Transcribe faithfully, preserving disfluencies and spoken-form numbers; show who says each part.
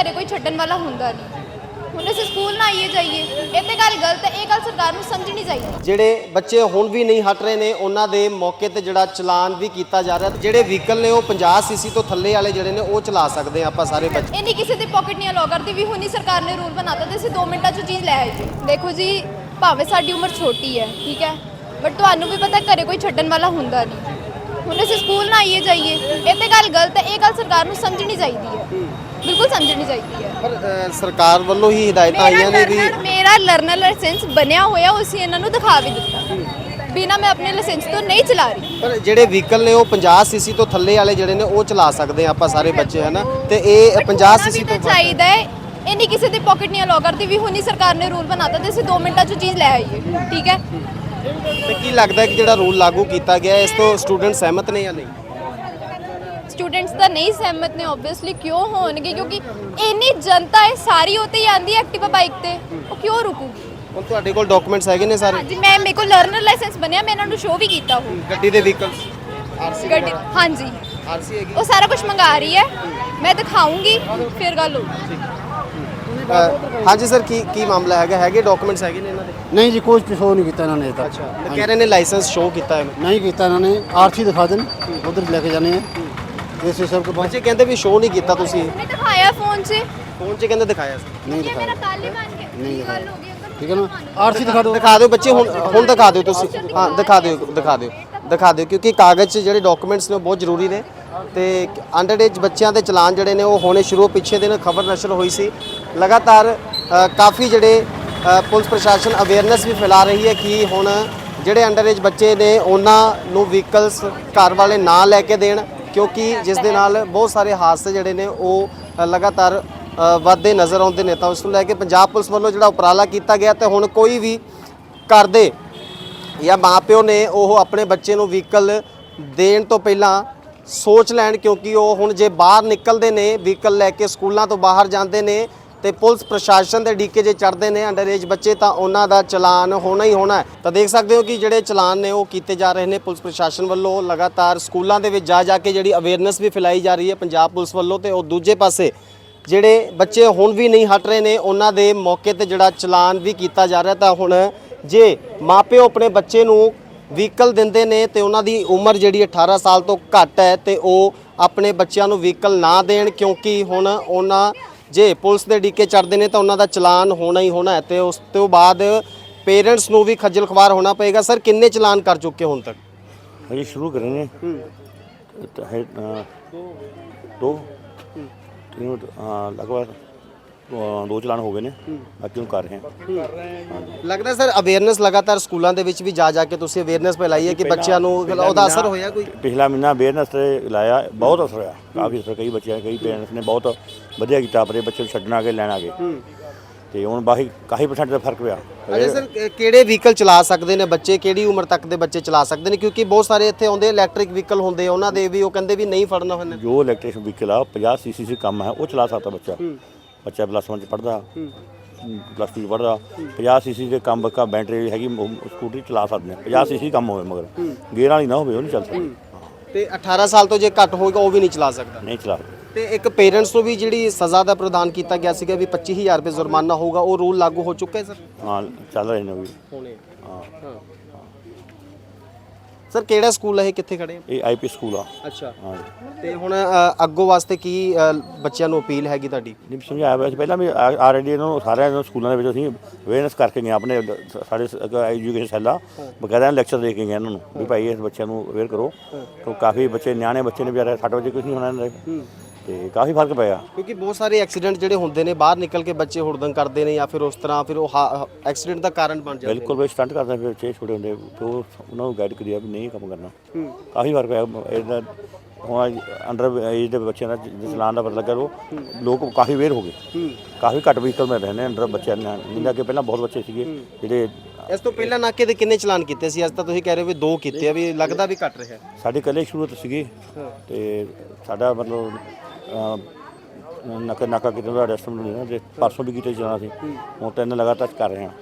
Speaker 1: ਘਰੇ ਕੋਈ ਛੱਡਣ ਵਾਲਾ ਹੁੰਦਾ ਨਹੀਂ। ਹੁਣ ਅਸੀਂ ਸਕੂਲ ਨਾ ਆਈਏ ਜਾਈਏ, ਇਹ ਤੇ ਗੱਲ ਗਲਤ ਹੈ। ਇਹ ਗੱਲ ਸਰਕਾਰ ਨੂੰ ਸਮਝਣੀ ਚਾਹੀਦੀ।
Speaker 2: ਜਿਹੜੇ ਬੱਚੇ ਹੁਣ ਵੀ ਨਹੀਂ ਹਟ ਰਹੇ ਨੇ ਉਹਨਾਂ ਦੇ ਮੌਕੇ ਤੇ ਜਿਹੜਾ ਚਲਾਨ ਵੀ ਕੀਤਾ ਜਾ ਰਿਹਾ। ਜਿਹੜੇ ਵਹੀਕਲ ਨੇ ਉਹ ਪੰਜਾਹ ਸੀਸੀ ਤੋਂ ਥੱਲੇ ਵਾਲੇ ਜਿਹੜੇ ਨੇ ਉਹ ਚਲਾ ਸਕਦੇ ਆ ਆਪਾਂ ਸਾਰੇ ਬੱਚੇ।
Speaker 1: ਇਹ ਨਹੀਂ ਕਿਸੇ ਦੀ ਪਾਕਟ ਨਹੀਂ ਅਲਾਉ ਕਰਦੀ ਵੀ ਹੁਣੀ ਸਰਕਾਰ ਨੇ ਰੂਲ ਬਣਾਤਾ ਤੇ ਅਸੀਂ ਦੋ ਮਿੰਟਾਂ 'ਚ ਚੀਜ਼ ਲੈ ਆਈਏ। ਦੇਖੋ ਜੀ, ਭਾਵੇਂ ਸਾਡੀ ਉਮਰ ਛੋਟੀ ਹੈ, ਠੀਕ ਹੈ, ਬਟ ਤੁਹਾਨੂੰ ਵੀ ਪਤਾ ਘਰੇ ਕੋਈ ਛੱਡਣ ਵਾਲਾ ਹੁੰਦਾ ਨਹੀਂ। ਹੁਣ ਅਸੀਂ ਸਕੂਲ ਨਾ ਆਈਏ ਜਾਈਏ, ਇਹ ਤੇ ਗੱਲ ਗਲਤ ਹੈ। ਇਹ ਗੱਲ ਸਰਕਾਰ ਨੂੰ ਸਮਝਣੀ ਚਾਹੀਦੀ ਹੈ, ਬਿਲਕੁਲ ਸਮਝਣੀ ਚਾਹੀਦੀ ਹੈ।
Speaker 2: ਪਰ ਅ, ਸਰਕਾਰ ਵੱਲੋਂ ਹੀ ਹਦਾਇਤਾਂ ਆਈਆਂ ਨੇ ਵੀ
Speaker 1: ਮੇਰਾ ਲਰਨਰ ਲਾਇਸੈਂਸ ਬਣਿਆ ਹੋਇਆ, ਉਸੇ ਇਹਨਾਂ ਨੂੰ ਦਿਖਾ ਵੀ ਦਿੱਤਾ ਬਿਨਾ ਮੈਂ ਆਪਣੇ ਲਾਇਸੈਂਸ ਤੋਂ ਨਹੀਂ ਚਲਾ ਰਹੀ।
Speaker 2: ਪਰ ਜਿਹੜੇ ਵਹੀਕਲ ਨੇ ਉਹ ਪੰਜਾਹ ਸੀਸੀ ਤੋਂ ਥੱਲੇ ਵਾਲੇ ਜਿਹੜੇ ਨੇ ਉਹ ਚਲਾ ਸਕਦੇ ਆ ਆਪਾਂ ਸਾਰੇ ਬੱਚੇ, ਹੈ ਨਾ। ਤੇ ਇਹ ਪੰਜਾਹ ਸੀਸੀ ਤੋਂ
Speaker 1: ਚਾਹੀਦਾ ਹੈ। ਇਹ ਨਹੀਂ ਕਿਸੇ ਦੀ ਪਾਕਟ ਨਹੀਂ ਅਲਾਉ ਕਰਦੀ ਵੀ ਹੁਣੀ ਸਰਕਾਰ ਨੇ ਰੂਲ ਬਣਾਤਾ ਤੇ ਅਸੀਂ ਦੋ ਮਿੰਟਾਂ 'ਚ ਚੀਜ਼ ਲੈ ਆਈਏ, ਠੀਕ ਹੈ।
Speaker 2: ਤੇ ਕੀ ਲੱਗਦਾ ਕਿ ਜਿਹੜਾ ਰੂਲ ਲਾਗੂ ਕੀਤਾ ਗਿਆ ਇਸ ਤੋਂ ਸਟੂਡੈਂਟ ਸਹਿਮਤ ਨੇ ਜਾਂ ਨਹੀਂ?
Speaker 1: ਸਟੂਡੈਂਟਸ ਤਾਂ ਨਹੀਂ ਸਹਿਮਤ ਨੇ, ਆਬਵੀਅਸਲੀ। ਕਿਉਂ ਹੋਣਗੇ? ਕਿਉਂਕਿ ਇੰਨੀ ਜਨਤਾ ਹੈ ਸਾਰੀ ਉੱਤੇ ਹੀ ਆਂਦੀ ਐਕਟਿਵਾ ਬਾਈਕ ਤੇ, ਉਹ ਕਿਉਂ ਰੁਕੂਗੀ?
Speaker 2: ਹੁਣ ਤੁਹਾਡੇ ਕੋਲ ਡਾਕੂਮੈਂਟਸ ਹੈਗੇ ਨੇ ਸਾਰੇ?
Speaker 1: ਹਾਂਜੀ, ਮੈਂ ਮੇਰੇ ਕੋਲ ਲਰਨਰ ਲਾਇਸੈਂਸ ਬਣਿਆ, ਮੈਂ ਇਹਨਾਂ ਨੂੰ ਸ਼ੋਅ ਵੀ ਕੀਤਾ ਹੋ।
Speaker 2: ਗੱਡੀ ਦੇ ਵਹੀਕਲਸ ਆਰਸੀ
Speaker 1: ਗੱਡੀ, ਹਾਂਜੀ,
Speaker 2: ਆਰਸੀ ਹੈਗੀ।
Speaker 1: ਉਹ ਸਾਰਾ ਕੁਝ ਮੰਗਾ ਰਹੀ ਹੈ, ਮੈਂ ਦਿਖਾਉਂਗੀ ਫਿਰ ਗੱਲ ਹੋਊਗੀ।
Speaker 2: ਹਾਂਜੀ ਸਰ, ਕੀ ਕੀ ਮਾਮਲਾ ਹੈਗਾ? ਹੈਗੇ ਡਾਕੂਮੈਂਟਸ ਹੈਗੇ ਨੇ ਇਹਨਾਂ ਦੇ?
Speaker 3: नहीं जी, कोई शो नहीं किया इन्होंने तक।
Speaker 2: ਅੱਛਾ, ਤੇ ਕਹਿ ਰਹੇ ਨੇ ਲਾਇਸੈਂਸ ਸ਼ੋਅ ਕੀਤਾ ਹੈ।
Speaker 3: नहीं किया इन्होंने, आरसी दिखा दें, उधर लेके जाने हैं जैसे सबके पास।
Speaker 2: ਬੱਚੇ ਕਹਿੰਦੇ ਵੀ ਸ਼ੋਅ ਨਹੀਂ ਕੀਤਾ ਤੁਸੀਂ।
Speaker 1: ਮੈਂ ਦਿਖਾਇਆ ਫੋਨ 'ਚ,
Speaker 2: ਫੋਨ 'ਚ ਕਹਿੰਦੇ ਦਿਖਾਇਆ ਸੀ।
Speaker 3: नहीं
Speaker 1: ਇਹ ਮੇਰਾ
Speaker 3: दिखाया,
Speaker 1: ਕੱਲ ਹੀ ਬਣ ਗਿਆ।
Speaker 3: नहीं
Speaker 1: ਗੱਲ
Speaker 3: दिखाया,
Speaker 1: ਹੋ ਗਈ ਅੰਕਲ।
Speaker 3: ठीक है ना। आरसी दिखा दो,
Speaker 2: ਦਿਖਾ ਦਿਓ ਬੱਚੇ, ਹੁਣ ਹੁਣ ਦਿਖਾ ਦਿਓ ਤੁਸੀਂ। ਹਾਂ, ਦਿਖਾ ਦਿਓ ਦਿਖਾ ਦਿਓ ਦਿਖਾ ਦਿਓ ਕਿਉਂਕਿ ਕਾਗਜ਼ 'ਚ ਜਿਹੜੇ ਡਾਕੂਮੈਂਟਸ ਨੇ ਉਹ ਬਹੁਤ ਜ਼ਰੂਰੀ ਨੇ। ਤੇ ਅੰਡਰ ਏਜ ਬੱਚਿਆਂ ਦੇ ਚਲਾਨ ਜਿਹੜੇ ਨੇ ਉਹ ਹੋਣੇ ਸ਼ੁਰੂ, ਪਿੱਛੇ ਦਿਨ ਖਬਰ ਨਸ਼ਰ ਹੋਈ ਸੀ। ਲਗਾਤਾਰ ਅ, ਕਾਫੀ ਜਿਹੜੇ ਅ, ਪੁਲਿਸ ਪ੍ਰਸ਼ਾਸਨ ਅਵੇਅਰਨੈਸ ਵੀ ਫੈਲਾ ਰਹੀ ਹੈ ਕਿ ਹੁਣ ਜਿਹੜੇ ਅੰਡਰ ਏਜ ਬੱਚੇ ਨੇ ਉਹਨਾਂ ਨੂੰ ਵਹੀਕਲਸ ਘਰ ਵਾਲੇ ਨਾ ਲੈ ਕੇ ਦੇਣ, ਕਿਉਂਕਿ ਜਿਸ ਦੇ ਨਾਲ ਬਹੁਤ ਸਾਰੇ ਹਾਦਸੇ ਜਿਹੜੇ ਨੇ ਉਹ ਅ, ਲਗਾਤਾਰ ਅ, ਵੱਧਦੇ ਨਜ਼ਰ ਆਉਂਦੇ ਨੇ। ਤਾਂ ਉਸ ਨੂੰ ਲੈ ਕੇ ਪੰਜਾਬ ਪੁਲਿਸ ਵੱਲੋਂ ਜਿਹੜਾ ਉਪਰਾਲਾ ਕੀਤਾ ਗਿਆ ਤੇ ਹੁਣ ਕੋਈ ਵੀ ਘਰ ਦੇ ਜਾਂ ਮਾਪਿਓ ਨੇ ਉਹ ਆਪਣੇ ਬੱਚੇ ਨੂੰ ਵਹੀਕਲ ਦੇਣ ਤੋਂ ਪਹਿਲਾਂ ਸੋਚ ਲੈਣ, ਕਿਉਂਕਿ ਉਹ ਹੁਣ ਜੇ ਬਾਹਰ ਨਿਕਲਦੇ ਨੇ ਵਹੀਕਲ ਲੈ ਕੇ, ਸਕੂਲਾਂ ਤੋਂ ਬਾਹਰ ਜਾਂਦੇ ਨੇ ਤੇ ਪੁਲਿਸ ਪ੍ਰਸ਼ਾਸਨ ਦੇ ਡੀਕੇ ਜੇ ਚੜ੍ਹਦੇ ਨੇ ਅੰਡਰ ਏਜ ਬੱਚੇ, ਤਾਂ ਉਹਨਾਂ ਦਾ ਚਲਾਨ ਹੋਣਾ ਹੀ ਹੋਣਾ ਹੈ। ਤਾਂ ਦੇਖ ਸਕਦੇ ਹੋ ਕਿ ਜਿਹੜੇ ਚਲਾਨ ਨੇ ਉਹ ਕੀਤੇ ਜਾ ਰਹੇ ਨੇ ਪੁਲਿਸ ਪ੍ਰਸ਼ਾਸਨ ਵੱਲੋਂ। ਲਗਾਤਾਰ ਸਕੂਲਾਂ ਦੇ ਵਿੱਚ ਜਾ ਜਾ ਕੇ ਜਿਹੜੀ ਅਵੇਅਰਨੈਸ ਵੀ ਫੈਲਾਈ ਜਾ ਰਹੀ ਹੈ ਪੰਜਾਬ ਪੁਲਿਸ ਵੱਲੋਂ। ਤੇ ਉਹ ਦੂਜੇ ਪਾਸੇ ਜਿਹੜੇ ਬੱਚੇ ਹੁਣ ਵੀ ਨਹੀਂ ਹਟ ਰਹੇ ਨੇ ਉਹਨਾਂ ਦੇ ਮੌਕੇ ਤੇ ਜਿਹੜਾ ਚਲਾਨ ਵੀ ਕੀਤਾ ਜਾ ਰਿਹਾ। ਤਾਂ ਹੁਣ ਜੇ ਮਾਪਿਓ ਆਪਣੇ ਬੱਚੇ ਨੂੰ ਵਹੀਕਲ ਦਿੰਦੇ ਨੇ ਤੇ ਉਹਨਾਂ ਦੀ ਉਮਰ ਜਿਹੜੀ ਅਠਾਰਾਂ ਸਾਲ ਤੋਂ ਘੱਟ ਹੈ ਤੇ ਉਹ ਆਪਣੇ ਬੱਚਿਆਂ ਨੂੰ ਵਹੀਕਲ ਨਾ ਦੇਣ, ਕਿਉਂਕਿ ਹੁਣ ਉਹਨਾਂ ਜੇ ਪੁਲਿਸ ਦੇ ਡੀਕੇ ਚੜ੍ਹਦੇ ਨੇ ਤਾਂ ਉਹਨਾਂ ਦਾ ਚਲਾਨ ਹੋਣਾ ਹੀ ਹੋਣਾ ਹੈ। ਤੇ ਉਸ ਤੋਂ ਬਾਅਦ ਪੇਰੈਂਟਸ ਨੂੰ ਵੀ ਖੱਜਲ ਖਵਾਰ ਹੋਣਾ ਪਏਗਾ। ਸਰ, ਕਿੰਨੇ ਚਲਾਨ ਕਰ ਚੁੱਕੇ ਹੁਣ ਤੱਕ?
Speaker 4: अभी शुरू करेंगे तो है अ, दो तीन अ, लगभग अ, दो चलान हो गए ने, बाकी हम कर रहे हैं।
Speaker 2: ਲੱਗਦਾ ਸਰ ਅਵੇਅਰਨੈਸ ਲਗਾਤਾਰ ਸਕੂਲਾਂ ਦੇ ਵਿੱਚ ਵੀ ਜਾ ਜਾ ਕੇ ਤੁਸੀਂ ਅਵੇਅਰਨੈਸ ਫੈਲਾਈ ਹੈ ਕਿ ਬੱਚਿਆਂ ਨੂੰ ਉਹਦਾ ਅਸਰ ਹੋਇਆ ਕੋਈ?
Speaker 4: ਪਿਛਲਾ ਮਹੀਨਾ ਅਵੇਅਰਨੈਸ ਤੇ ਲਾਇਆ, ਬਹੁਤ ਅਸਰ ਹੋਇਆ, ਕਾਫੀ ਅਸਰ। ਕਈ ਬੱਚਿਆਂ ਕਈ ਪੇਰੈਂਟਸ ਨੇ ਬਹੁਤ ਵਧੀਆ ਕੀਤਾ, ਆਪਣੇ ਬੱਚੇ ਨੂੰ ਛੱਡਣ ਆ ਕੇ ਲੈਣ ਆ ਗਏ ਤੇ ਹੁਣ ਬਾਕੀ ਕਾਫੀ ਪਰਸੈਂਟ ਦਾ ਫਰਕ ਪਿਆ।
Speaker 2: ਅਰੇ ਸਰ, ਕਿਹੜੇ ਵਹੀਕਲ ਚਲਾ ਸਕਦੇ ਨੇ ਬੱਚੇ, ਕਿਹੜੀ ਉਮਰ ਤੱਕ ਦੇ ਬੱਚੇ ਚਲਾ ਸਕਦੇ ਨੇ? ਕਿਉਂਕਿ ਬਹੁਤ ਸਾਰੇ ਇੱਥੇ ਆਉਂਦੇ ਇਲੈਕਟ੍ਰਿਕ ਵਹੀਕਲ ਹੁੰਦੇ, ਉਹਨਾਂ ਦੇ ਵੀ ਉਹ ਕਹਿੰਦੇ ਵੀ ਨਹੀਂ ਫੜਨਾ ਹੁੰਦਾ।
Speaker 4: ਜੋ ਇਲੈਕਟ੍ਰਿਕ ਵਹੀਕਲ ਆ ਪੰਜਾਹ ਸੀ ਸੀ ਸੀ ਕੰਮ ਹੈ, ਉਹ ਚਲਾ ਸਕਦਾ ਬੱਚਾ। ਬੱਚਾ ਪਲੱਸ ਵਨ 'ਚ ਪੜ੍ਹਦਾ, ਪਲੱਸ ਟੂ 'ਚ ਪੜ੍ਹਦਾ, ਪੰਜਾਹ ਸੀ ਸੀ ਦੇ ਕੰਮ ਬੱਕਾ ਬੈਟਰੀ ਹੈਗੀ, ਸਕੂਟਰੀ ਚਲਾ ਸਕਦੇ ਨੇ। ਪੰਜਾਹ ਸੀ ਸੀ ਕੰਮ ਹੋਵੇ ਮਗਰ ਗੇਅਰ ਵਾਲੀ ਨਾ ਹੋਵੇ, ਉਹ ਨਹੀਂ ਚੱਲ ਸਕਦੀ।
Speaker 2: ਤੇ ਅਠਾਰਾਂ ਸਾਲ ਤੋਂ ਜੇ ਘੱਟ ਹੋਏਗਾ ਉਹ ਵੀ ਨਹੀਂ ਚਲਾ ਸਕਦਾ।
Speaker 4: ਨਹੀਂ ਚਲਾ ਸਕਦੇ।
Speaker 2: ਤੇ ਇੱਕ ਪੇਰੈਂਟਸ ਨੂੰ ਵੀ ਜਿਹੜੀ ਸਜ਼ਾ ਦਾ ਪ੍ਰਦਾਨ ਕੀਤਾ ਗਿਆ ਸੀਗਾ ਵੀ ਪੱਚੀ ਹਜ਼ਾਰ ਰੁਪਏ ਜੁਰਮਾਨਾ ਹੋਊਗਾ, ਉਹ ਰੂਲ ਲਾਗੂ ਹੋ ਚੁੱਕਾ ਹੈ ਸਰ?
Speaker 4: ਹਾਂ, ਚੱਲ ਰਹੇ ਨੇ ਉਹ ਵੀ।
Speaker 2: ਹੋਣੇ।
Speaker 4: ਹਾਂ,
Speaker 2: ਸਰ, ਕਿਹੜਾ ਸਕੂਲ ਹੈ ਇਹ, ਕਿੱਥੇ ਖੜੇ?
Speaker 4: ਇਹ ਆਈ ਪੀ ਸਕੂਲ ਆ।
Speaker 2: ਅੱਛਾ।
Speaker 4: ਹਾਂ,
Speaker 2: ਤੇ ਹੁਣ ਅ, ਅੱਗੋਂ ਵਾਸਤੇ ਕੀ ਅ, ਬੱਚਿਆਂ ਨੂੰ ਅਪੀਲ ਹੈਗੀ ਤੁਹਾਡੀ?
Speaker 4: ਨਹੀਂ ਸਮਝਾਇਆ ਹੋਇਆ ਸੀ ਪਹਿਲਾਂ ਵੀ, ਆਲਰੇਡੀ ਇਹਨਾਂ ਨੂੰ ਸਾਰਿਆਂ ਨੂੰ ਸਕੂਲਾਂ ਦੇ ਵਿੱਚ ਅਸੀਂ ਅਵੇਅਰਨੈਸ ਕਰਕੇ ਗਏ। ਆਪਣੇ ਸਾਡੇ ਐਜੂਕੇਸ਼ਨ ਸੈੱਲ ਆ, ਬਕਾਇਦਾ ਲੈਕਚਰ ਦੇ ਕੇ ਗਏ ਇਹਨਾਂ ਨੂੰ ਵੀ ਭਾਈ ਇਸ ਬੱਚਿਆਂ ਨੂੰ ਅਵੇਅਰ ਕਰੋ। ਕਿਉਂ ਕਾਫੀ ਬੱਚੇ ਨਿਆਣੇ ਬੱਚੇ ਨੇ ਵਿਚਾਰੇ, ਸੱਟ ਵਜੇ ਕੁਝ ਨਹੀਂ ਹੋਣਾ ਇਹਨਾਂ ਦੇ, ਤੇ ਕਾਫੀ ਫਰਕ ਪਿਆ।
Speaker 2: ਕਿਉਂਕਿ ਬਹੁਤ ਸਾਰੇ ਐਕਸੀਡੈਂਟ ਜਿਹੜੇ ਹੁੰਦੇ ਨੇ ਬਾਹਰ ਨਿਕਲ ਕੇ ਬੱਚੇ ਹੁੜਦੰਗ ਕਰਦੇ ਨੇ ਜਾਂ ਫਿਰ ਉਸ ਤਰ੍ਹਾਂ, ਫਿਰ ਉਹ ਐਕਸੀਡੈਂਟ ਦਾ ਕਾਰਨ ਬਣ ਜਾਂਦੇ ਨੇ।
Speaker 4: ਬਿਲਕੁਲ ਵੀ ਸਟੰਟ ਕਰਦੇ ਫਿਰ ਬੱਚੇ ਛੋਟੇ ਹੁੰਦੇ, ਤੇ ਉਹ ਉਹਨਾਂ ਨੂੰ ਗਾਈਡ ਕਰਿਆ ਵੀ ਨਹੀਂ ਕੰਮ ਕਰਨਾ। ਕਾਫੀ ਫਰਕ ਪਿਆ ਇਹਦਾ। ਹੁਣ ਅੰਡਰ ਏਜ ਦੇ ਬੱਚਿਆਂ ਦਾ ਚਲਾਨ ਦਾ ਪਤਾ ਲੱਗਾ, ਉਹ ਲੋਕ ਕਾਫੀ ਅਵੇਅਰ ਹੋ ਗਏ, ਕਾਫੀ ਘੱਟ ਵਹੀਕਲ ਮਿਲ ਰਹੇ ਨੇ ਅੰਡਰ ਬੱਚਿਆਂ ਨਾਲ। ਨਹੀਂ ਅੱਗੇ ਪਹਿਲਾਂ ਬਹੁਤ ਬੱਚੇ ਸੀਗੇ ਜਿਹੜੇ।
Speaker 2: ਇਸ ਤੋਂ ਪਹਿਲਾਂ ਨਾਕੇ ਦੇ ਕਿੰਨੇ ਚਲਾਨ ਕੀਤੇ ਸੀ? ਅੱਜ ਤਾਂ ਤੁਸੀਂ ਕਹਿ ਰਹੇ ਹੋ ਵੀ ਦੋ ਕੀਤੇ ਆ, ਵੀ ਲੱਗਦਾ ਵੀ ਘੱਟ ਰਿਹਾ।
Speaker 4: ਸਾਡੇ ਇਕੱਲੇ ਸ਼ੁਰੂ ਤੋਂ ਸੀਗੇ ਤੇ ਸਾਡਾ ਮਤਲਬ ਨਾਕਾ ਨਾਕਾ ਕਿਤੇ ਦਾ ਅਰੈਸਟ ਨਹੀਂ ਨਾ, ਜੇ ਪਰਸੋਂ ਵੀ ਕੀਤੇ ਜਾਣਾ ਸੀ, ਹੁਣ ਤਿੰਨ ਲਗਾਤਾਰ ਕਰ ਰਹੇ ਹਾਂ।